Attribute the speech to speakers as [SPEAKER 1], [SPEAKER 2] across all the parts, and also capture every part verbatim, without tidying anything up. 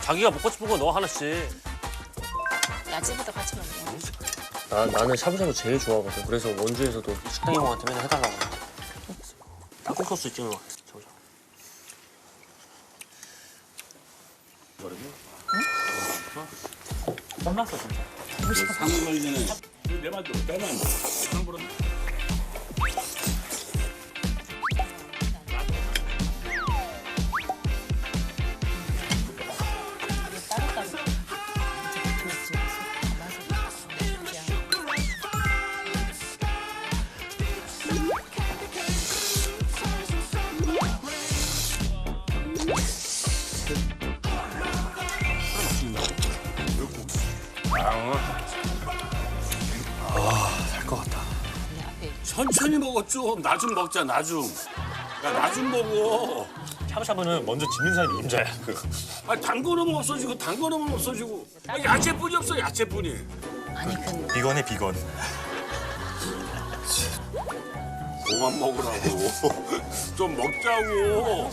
[SPEAKER 1] 자기가 먹고 싶은 거 넣어 하나씩.
[SPEAKER 2] 야채부터 같이 먹어.
[SPEAKER 1] 나, 나는 샤브샤브 제일 좋아하거든. 그래서 원주에서도 식당 형한테 맨날 해달라고. 닭국 소스 찍는 거. 샤브샤브. 응? 혼났어 진짜.
[SPEAKER 3] 상을 걸기 전에 내 말도 빼면 안 돼. 함부로.
[SPEAKER 1] 살 것 같다.
[SPEAKER 3] 천천히 먹어 좀. 나 좀 먹자 나 좀. 야 나 좀 먹어.
[SPEAKER 1] 샤브샤브는 먼저 짓는 사람이 임자야.
[SPEAKER 3] 아, 단 거 넣으면 없어지고 단 거 넣으면 없어지고. 아, 야채뿐이 없어 야채뿐이.
[SPEAKER 2] 아니 그
[SPEAKER 1] 비건해 비건.
[SPEAKER 3] 그만 먹으라고. 좀 먹자고.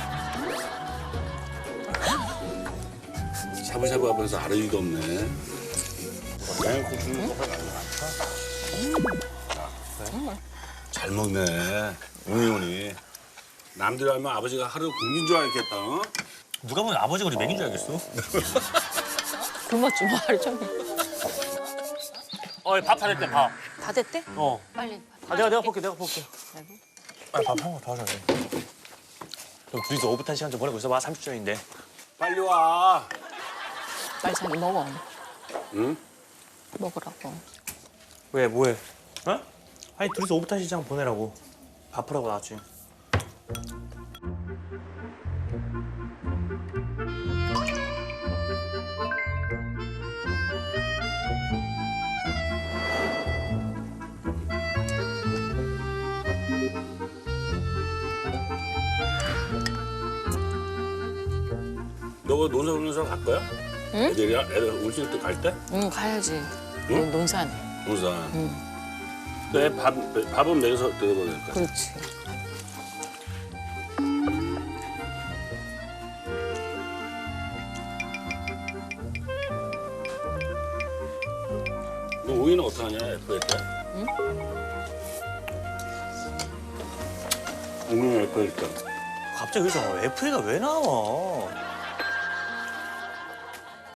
[SPEAKER 3] 샤브샤브 하면서 아르기가 없네. 그냥 고추는 거가 나아. 잘 먹네. 웅이훈이. 남들이 하면 아버지가 하루 굶긴 줄 알겠다. 어?
[SPEAKER 1] 누가 보면 아버지가 우리 먹인 줄 알겠어.
[SPEAKER 2] 굶어 좀 말 좀.
[SPEAKER 1] 어, 밥 다 됐대 밥.
[SPEAKER 2] 다 됐대?
[SPEAKER 1] 어.
[SPEAKER 2] 빨리.
[SPEAKER 1] 아, 내가 내가 볼게 내가 볼게.
[SPEAKER 2] 아이고.
[SPEAKER 1] 빨리 밥 한 거 더 하자. 그럼 둘이서 오붓한 시간 좀 보내고 있어봐. 삼십 초인데.
[SPEAKER 3] 빨리 와.
[SPEAKER 2] 빨리 자기 먹어.
[SPEAKER 3] 응?
[SPEAKER 2] 먹으라고.
[SPEAKER 1] 왜 뭐해? 어? 아니 둘이서 오붓한 시간 보내라고. 밥하라고 나왔지.
[SPEAKER 3] 너가 논산 논산 갈 거야?
[SPEAKER 2] 응?
[SPEAKER 3] 애들이 애들 울실 때 갈 때?
[SPEAKER 2] 응 가야지.
[SPEAKER 3] 응?
[SPEAKER 2] 논- 논산.
[SPEAKER 3] 논산.
[SPEAKER 2] 응.
[SPEAKER 3] 내 밥, 밥은 내서 내가 될 거야.
[SPEAKER 2] 그렇지.
[SPEAKER 3] 너 오이는 어떡하냐, 에프에 때?
[SPEAKER 2] 응?
[SPEAKER 3] 오이는 에프에 때.
[SPEAKER 1] 갑자기 여기서 에프에이가 왜 나와?